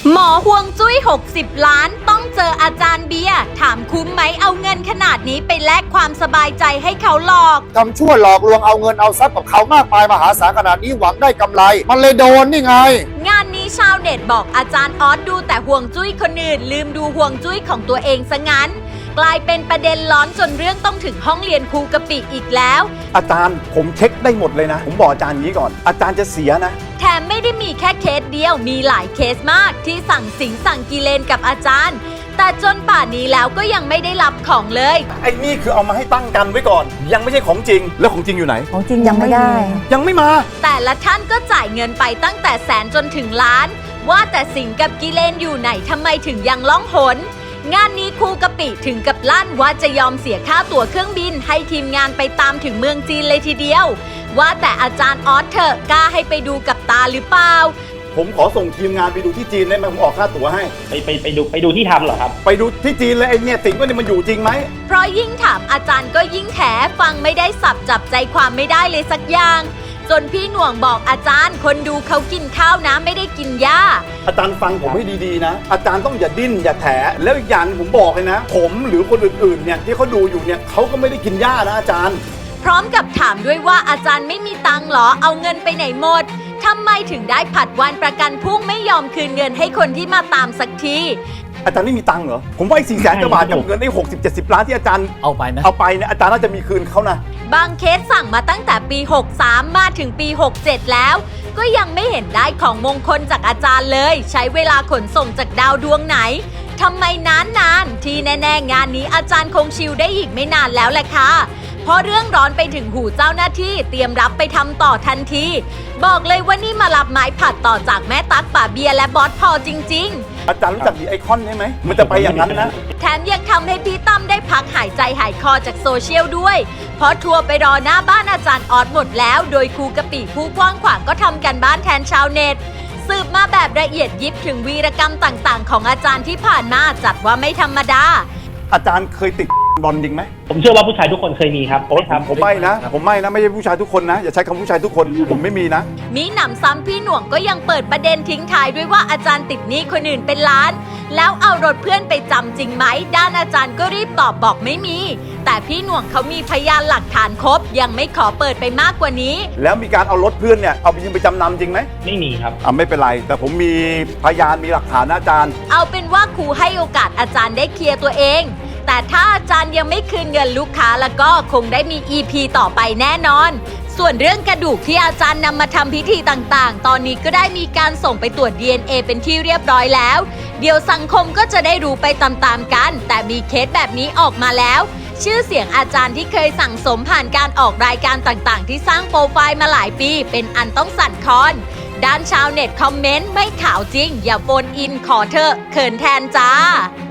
หมอห่วงจุ้ย60 ล้านต้องเจออาจารย์เบียร์ถามคุ้มไหมเอาเงินขนาดนี้ไปแลกความสบายใจให้เขาหลอกทำชั่วหลอกลวงเอาเงินเอาทรัพย์กับเขามากมายมหาศาลขนาดนี้หวังได้กำไรมันเลยโดนนี่ไงงานนี้ชาวเน็ตบอกอาจารย์ออสดูแต่ห่วงจุ้ยคนอื่นลืมดูห่วงจุ้ยของตัวเองซะงั้นกลายเป็นประเด็นร้อนจนเรื่องต้องถึงห้องเรียนครูกะปิอีกแล้วอาจารย์ผมเช็คได้หมดเลยนะผมบอกอาจารย์นี้ก่อนอาจารย์จะเสียนะแถมไม่ได้มีแค่เคสเดียวมีหลายเคสมากที่สั่งสิงสั่งกิเลนกับอาจารย์แต่จนป่านนี้แล้วก็ยังไม่ได้รับของเลยไอ้นี่คือเอามาให้ตั้งกันไว้ก่อนยังไม่ใช่ของจริงแล้วของจริงอยู่ไหนของจริงยังไม่ได้ยังไม่มาแต่ละท่านก็จ่ายเงินไปตั้งแต่แสนจนถึงล้านว่าแต่สิงกับกิเลนอยู่ไหนทำไมถึงยังล่องหนงานนี้ครูกะปิถึงกับลั่นว่าจะยอมเสียค่าตั๋วเครื่องบินให้ทีมงานไปตามถึงเมืองจีนเลยทีเดียวว่าแต่อาจารย์ออสเถอะกล้าให้ไปดูกับตาหรือเปล่าผมขอส่งทีมงานไปดูที่จีนได้ไหมผมออกค่าตั๋วให้ไปดูที่ทำเหรอครับไปดูที่จีนเลยไอ้เนี่ยสิงว่านี่มันอยู่จริงไหมเพราะยิ่งถามอาจารย์ก็ยิ่งแถฟังไม่ได้สับจับใจความไม่ได้เลยสักอย่างจนพี่หน่วงบอกอาจารย์คนดูเขากินข้าวนะไม่ได้กินหญ้าอาจารย์ฟังผมให้ดีๆนะอาจารย์ต้องอย่าดิ้นอย่าแถแล้วอีกอย่างผมบอกเลยนะผมหรือคนอื่นๆเนี่ยที่เขาดูอยู่เนี่ยเขาก็ไม่ได้กินหญ้านะอาจารย์พร้อมกับถามด้วยว่าอาจารย์ไม่มีตังค์หรอเอาเงินไปไหนหมดทำไมถึงได้ผัดวันประกันพรุ่งไม่ยอมคืนเงินให้คนที่มาตามสักทีอาจารย์ไม่มีตังค์เหรอผมว่าไอ้400,000 กว่าบาทกับเงินได้60-70 ล้านที่อาจารย์เอาไปนะเนี่ยอาจารย์น่าจะมีคืนเขานะบางเคสสั่งมาตั้งแต่ปี63มาถึงปี67แล้วก็ยังไม่เห็นได้ของมงคลจากอาจารย์เลยใช้เวลาขนส่งจากดาวดวงไหนทำไมนานที่แน่ๆงานนี้อาจารย์คงชิลได้อีกไม่นานแล้วแหละค่ะเพราะเรื่องร้อนไปถึงหูเจ้าหน้าที่เตรียมรับไปทำต่อทันทีบอกเลยว่านี่มารับไม้ผัดต่อจากแม่ตั๊กป่าเบียร์และบอสพอจริงๆอาจารย์รู้จักดีไอคอนใช่ไหมมันจะไปอย่างนั้นนะแถมยังทำให้พี่ตั้มได้พักหายใจหายคอจากโซเชียลด้วยเพราะทัวร์ไปรอหน้าบ้านอาจารย์ออสหมดแล้วโดยครูกะปิผู้กว้างขวางก็ทำกันบ้านแทนชาวเน็ตสืบมาแบบละเอียดยิบถึงวีรกรรมต่างๆของอาจารย์ที่ผ่านมาจัดว่าไม่ธรรมดาอาจารย์เคยติดบอลจริงไหมผมเชื่อว่าผู้ชายทุกคนเคยมีครับผมไม่นะไม่ใช่ผู้ชายทุกคนนะอย่าใช้คำผู้ชายทุกคนผมไม่มีนะมีหนำซ้ำพี่หน่วงก็ยังเปิดประเด็นทิ้งท้ายด้วยว่าอาจารย์ติดหนี้คนอื่นเป็นล้านแล้วเอารถเพื่อนไปจำจริงไหมด้านอาจารย์ก็รีบตอบบอกไม่มีแต่พี่หน่วงเขามีพยานหลักฐานครบยังไม่ขอเปิดไปมากกว่านี้แล้วมีการเอารถเพื่อนเนี่ยเอาไปยืมไปจำนำจริงไหมไม่มีครับไม่เป็นไรแต่ผมมีพยานมีหลักฐานนะอาจารย์เอาเป็นว่าครูให้โอกาสอาจารย์ได้เคลียร์ตัวเองแต่ถ้าอาจารย์ยังไม่คืนเงินลูกค้าแล้วก็คงได้มี EP ต่อไปแน่นอนส่วนเรื่องกระดูกที่อาจารย์นำมาทำพิธีต่างๆตอนนี้ก็ได้มีการส่งไปตรวจ DNA เป็นที่เรียบร้อยแล้วเดี๋ยวสังคมก็จะได้รู้ไปตามๆกันแต่มีเคสแบบนี้ออกมาแล้วชื่อเสียงอาจารย์ที่เคยสั่งสมผ่านการออกรายการต่างๆที่สร้างโปรไฟล์มาหลายปีเป็นอันต้องสั่นคลอนด้านชาวเน็ตคอมเมนต์ไม่ข่าวจริงอย่าโฟนอินขอเถอะเขินแทนจ้า